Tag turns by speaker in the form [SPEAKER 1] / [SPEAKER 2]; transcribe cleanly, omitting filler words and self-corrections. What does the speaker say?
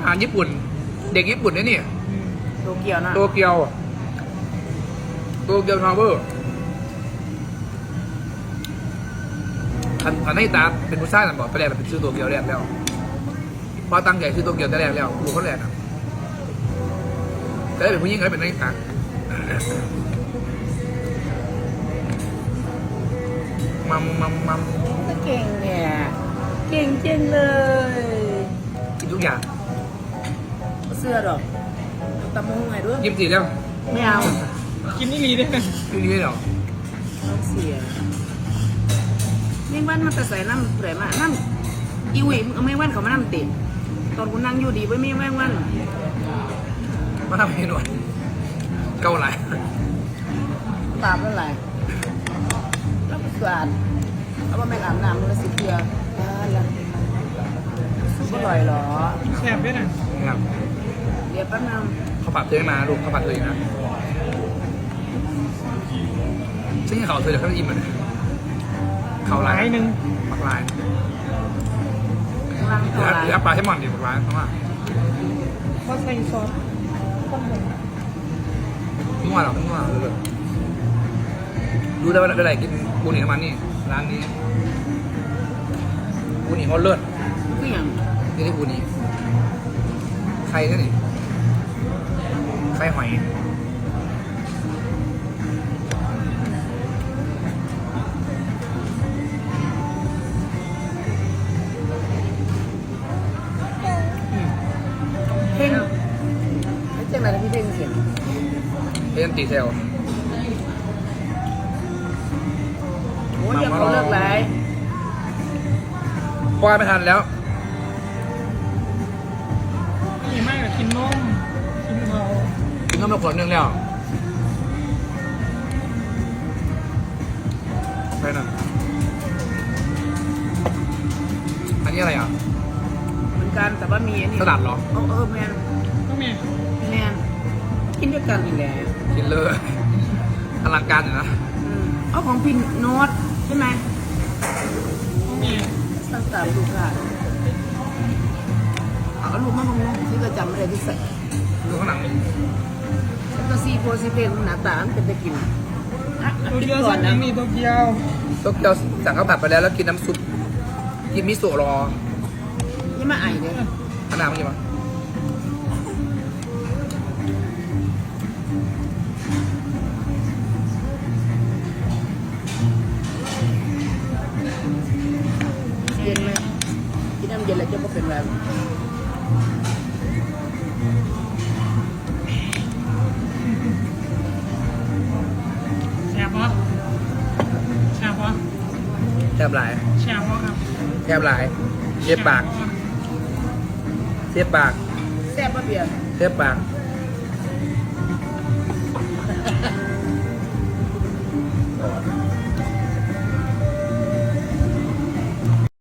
[SPEAKER 1] หารญี่ปุ่น เด็กญี่ปุ่นเนี่ย
[SPEAKER 2] โตเกียวนะ
[SPEAKER 1] โตเกียวทาวเวอร์อันนี้ตาเป็นผู้ชายนั่นบอกแต่แรกเป็นชื่อโตเกียวแรกแล้วพอตั้งใจชื่อโตเกียวแต่แรกแล้วดูเขาแรกอ่ะแต่เป็นผู้หญิงก็เป็นนักตามัม
[SPEAKER 2] เก่งเนี่ยเก่งจริงเลย
[SPEAKER 1] กินทุกอย่าง
[SPEAKER 2] เสื้อดอกตะมูไงด้วย
[SPEAKER 1] ยิ้มสีแล้ว
[SPEAKER 2] ไม่เอา
[SPEAKER 3] กินนี่ลีด้วยกัน
[SPEAKER 1] กินนี้เหรอ
[SPEAKER 2] ต้องเสียแมงวันมันแต่ใส่น้ำเปลือยมาน้ำอีวิเอาแมงวันเขามาน้ำติดตอนกูนั่งอยู่ดีไว้ไม่แมงวัน
[SPEAKER 1] มาทำเมนูเกาหลี
[SPEAKER 2] ตามนั่นแหละแล้วก็สะอาดเอามาแม่งอาบน้ำมันละสิเกลือแล้วซุปอร่อยเหรอ
[SPEAKER 3] แซ่บด้วยนะ
[SPEAKER 1] นะครับ
[SPEAKER 2] เดี๋ยวแป๊บนึง
[SPEAKER 1] เขาปัดเธอมาลูกเขาปัดเธอนะซึ่งเขาเธอจะเขาอิ่มเลยเขาลาย
[SPEAKER 3] หนึ่ง
[SPEAKER 1] ปักลาย
[SPEAKER 2] กำลัง
[SPEAKER 1] เห
[SPEAKER 2] ตัวอะไร
[SPEAKER 1] ลือปลาแซลมอนดิปักลายเพราะว่า
[SPEAKER 3] ก็ใส่ซอสต้มย
[SPEAKER 1] มั่วหรอมั่วเลยดูได้ว่าอะไรกินปูหนีน้ำมันนี่ร้านนี้ปูหนีเขาเลิศ
[SPEAKER 2] คืออย่าง
[SPEAKER 1] นี่ที่ปูหนีใครนี่ใครหอย
[SPEAKER 2] เพ่งไม่ใช่อะไรนะพี่เพ่งเสียง
[SPEAKER 1] เอ็นตีเซล
[SPEAKER 2] โอ้ยอย่าเขาเลิกไร
[SPEAKER 1] คว้าไม่ทันแล้ว
[SPEAKER 3] ำนี่มากกินนมกินเขา
[SPEAKER 1] กินน้ำมาขวดนึงแล้วไปนั่นอันนี้อะไรอ่ะ
[SPEAKER 2] เหมือนกันแต่ว่ามีอันนี้
[SPEAKER 1] สลัดเหรอ
[SPEAKER 2] แมน
[SPEAKER 3] ก็มี
[SPEAKER 2] แมนกินด้วยกันอีกแล้ว
[SPEAKER 1] กินเลยอลังการอยู่นะ
[SPEAKER 2] เอาของพินโนตใช่ไหม
[SPEAKER 3] ก็มี
[SPEAKER 2] ตั้งแต่ลูกค่ะเอาลูกมางงที่ก็จำไม่ได้ที่ใส่
[SPEAKER 1] ดูข้างหลังนี่
[SPEAKER 2] แล้วก็ซีโฟซีเพนหน้าตามันเป็นตะกิน
[SPEAKER 3] ตัวเดียวสั่งยังมีตัวเดียว
[SPEAKER 1] โตเกียวสั่งข้าวผัดไปแล้วกินน้ำซุปกินมิโซะรอ
[SPEAKER 2] นี่มาไอเด้อ
[SPEAKER 1] ขนาดมั้ยมั้ย
[SPEAKER 2] เย็นไหมกินน้ำเย็นแล้วจะไม่เป็นไร
[SPEAKER 3] แซ่บปะแซ่บปะ
[SPEAKER 1] แทบหลาย
[SPEAKER 3] แซ่บปะครับ
[SPEAKER 1] แทบหลายเทียบปากเทียบปาก
[SPEAKER 2] แซ่บปะเบียร์
[SPEAKER 1] เทียบปาก